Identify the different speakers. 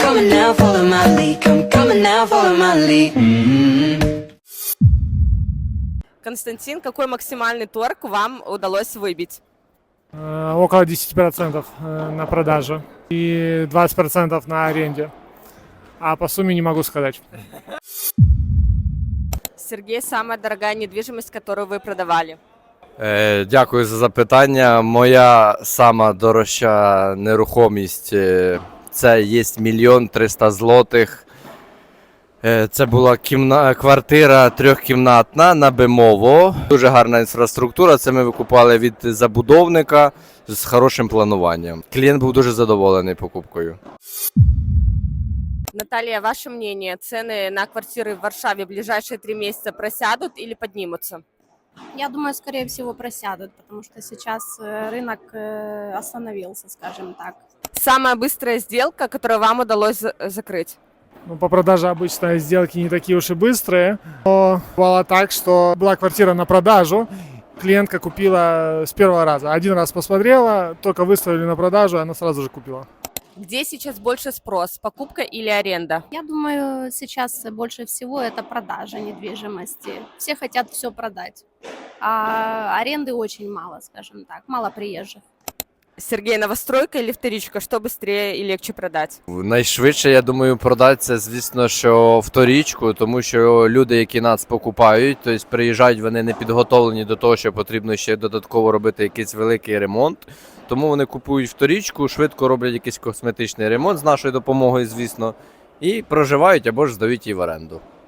Speaker 1: coming now, follow my lead. Come coming now, follow my lead.
Speaker 2: Константин, какой максимальный торг вам удалось выбить?
Speaker 3: Около 10% на продажу и 20% на аренде. А по сумме не могу сказать.
Speaker 2: Сергей, самая дорогая недвижимость, которую вы продавали?
Speaker 4: Дякую за запитання. Моя сама дорожча нерухомість це є 1 300 000 злотих. Це була квартира трьохкімнатна на Бимово. Дуже гарна інфраструктура. Це ми викупали від забудовника з хорошим плануванням. Клієнт був дуже задоволений покупкою.
Speaker 2: Наталья, ваше мнение, цены на квартиры в Варшаве в ближайшие 3 месяца просядут или поднимутся?
Speaker 5: Я думаю, скорее всего, просядут, потому что сейчас рынок остановился, скажем так.
Speaker 2: Самая быстрая сделка, которую вам удалось закрыть?
Speaker 3: Ну, по продаже обычно сделки не такие уж и быстрые. Но бывало так, что была квартира на продажу, клиентка купила с первого раза. Один раз посмотрела, только выставили на продажу, она сразу же купила.
Speaker 2: Где сейчас больше спрос, покупка или аренда?
Speaker 5: Я думаю, сейчас больше всего это продажа недвижимости. Все хотят все продать, а аренды очень мало, скажем так, мало приезжих.
Speaker 2: Сергей, новостройка или вторичка? Что быстрее и легче продать?
Speaker 4: Найшвидше, я думаю, продати це, звісно, що вторічку, тому що люди, які нас покупають, тобто приїжджають, вони не підготовлені до того, що потрібно ще додатково робити якийсь великий ремонт. Тому вони купують вторічку, швидко роблять якийсь косметичний ремонт з нашою допомогою, звісно, і проживають або ж здають її в оренду.